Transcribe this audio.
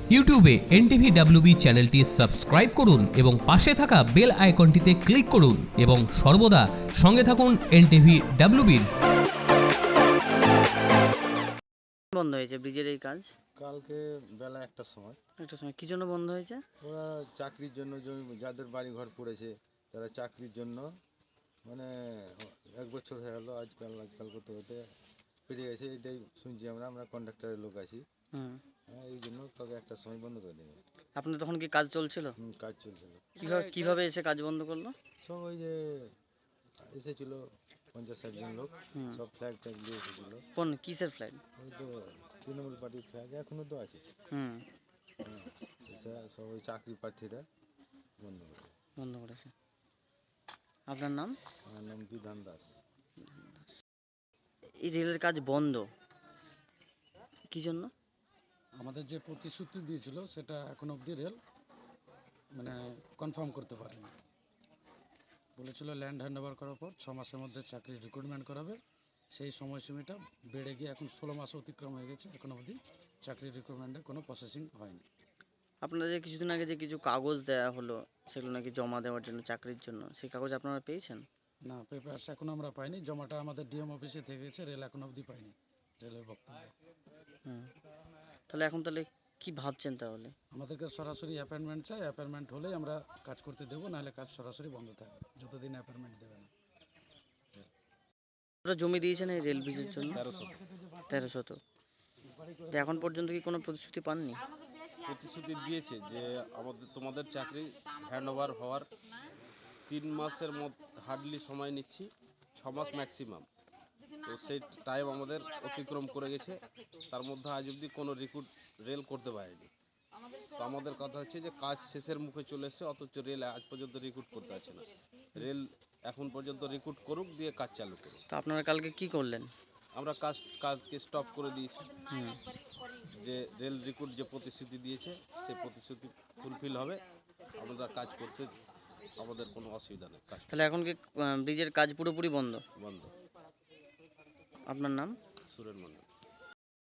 ইউটিউবে NTV WB চ্যানেলটি subscribe করুন এবং পাশে থাকা বেল আইকনটিতে ক্লিক করুন এবং সর্বদা সঙ্গে থাকুন এনটিভি ডাব্লিউবির। বন্ধ হয়েছে ব্রিজের এই কাজ কালকে বেলা একটার সময় কি জন্য বন্ধ হয়েছে? ওরা চাকরির জন্য যাদের বাড়ি ঘর পড়েছে তারা চাকরির জন্য মানে 1 বছর হয়ে গেল আজকাল করতে করতে পেরিয়ে গেছে, এটাই শুনছি আমরা কন্ডাক্টরের লোক আছি। এই জন্য কালকে একটার সময় বন্ধ করে দেবে। আপনার তখন কি কাজ চলছিল? কাজ চলছিল। কিভাবে এসে কাজ বন্ধ করলো? সব ওই যে এসেছিল 50-60 জন লোক, সব ফ্ল্যাগ ট্যাগ দিয়ে এসেছিল। কোন কিসের ফ্ল্যাগ? ওই তো তৃণমূল পার্টির ফ্ল্যাগ এখনো তো আছে। সব ওই চাকরি প্রার্থীরা বন্ধ করেছে। আপনার নাম? আমার নাম বিধান দাস। এই রেলের কাজ বন্ধ কি জন্য? আমাদের যে প্রতিশ্রুতি দিয়েছিল সেটা এখন অবধি রেল কনফার্ম করতে পারেনি। বলেছিল ল্যান্ড হ্যান্ড ওভার করার পর 6 মাসের মধ্যে চাকরির রিক্রুটমেন্ট করাবে। সেই সময়সীমাটা বেড়ে গিয়ে এখন 16 মাস অতিক্রম হয়ে গেছে, এখন অবধি চাকরির রিক্রুটমেন্টের কোনো প্রসেসিং হয়নি। আপনাদের যে কিছুদিন আগে যে কিছু কাগজ দেওয়া হলো সেগুলো নাকি জমা দেওয়ার জন্য, চাকরির জন্য, সেই কাগজ আপনারা পেয়েছেন? না, পেপারস এখনও আমরা পাইনি। জমাটা আমাদের ডিএম অফিসে থেকে গেছে, রেল এখন অবধি পাইনি রেলের বক্তব্য। তাহলে কি ভাবছেন? তাহলে আমাদেরকে সরাসরি অ্যাপয়েন্টমেন্ট চাই, অ্যাপয়েন্টমেন্ট হলেই আমরা কাজ করতে দেবো, নাহলে কাজ সরাসরি বন্ধ থাকবে যতদিন অ্যাপয়েন্টমেন্ট দেবে না। জমি দিয়েছেন এই রেল ব্রিজের জন্য? 1300। এখন পর্যন্ত কি কোনো প্রতিশ্রুতি পাননি? প্রতিশ্রুতি দিয়েছে যে তোমাদের চাকরি হ্যান্ড ওভার হওয়ার 3 মাসের মধ্যে হার্ডলি সময় নিচ্ছি, 6 মাস ম্যাক্সিমাম। তো সেই টাইম আমাদের অতিক্রম করে গেছে, তার মধ্যে আজ অবধি কোনো রিক্রুট রেল করতে পারেনি। তো আমাদের কথা হচ্ছে যে কাজ শেষের মুখে চলে এসেছে, অথচ রেল আজ পর্যন্ত রিক্রুট করতে আছে না। রেল এখন পর্যন্ত রিক্রুট করুক, দিয়ে কাজ চালু করুক। তো আপনারা কালকে কি করলেন? আমরা কাজকে স্টপ করে দিয়েছি। যে রেল রিক্রুট যে প্রতিশ্রুতি দিয়েছে সেই প্রতিশ্রুতি ফুলফিল হবে, আমরা কাজ করতে আমাদের কোনো অসুবিধা নেই। তাহলে এখন কি ব্রিজের কাজ পুরোপুরি বন্ধ? বন্ধ। আপনার নাম? সুরেন মন্ডল।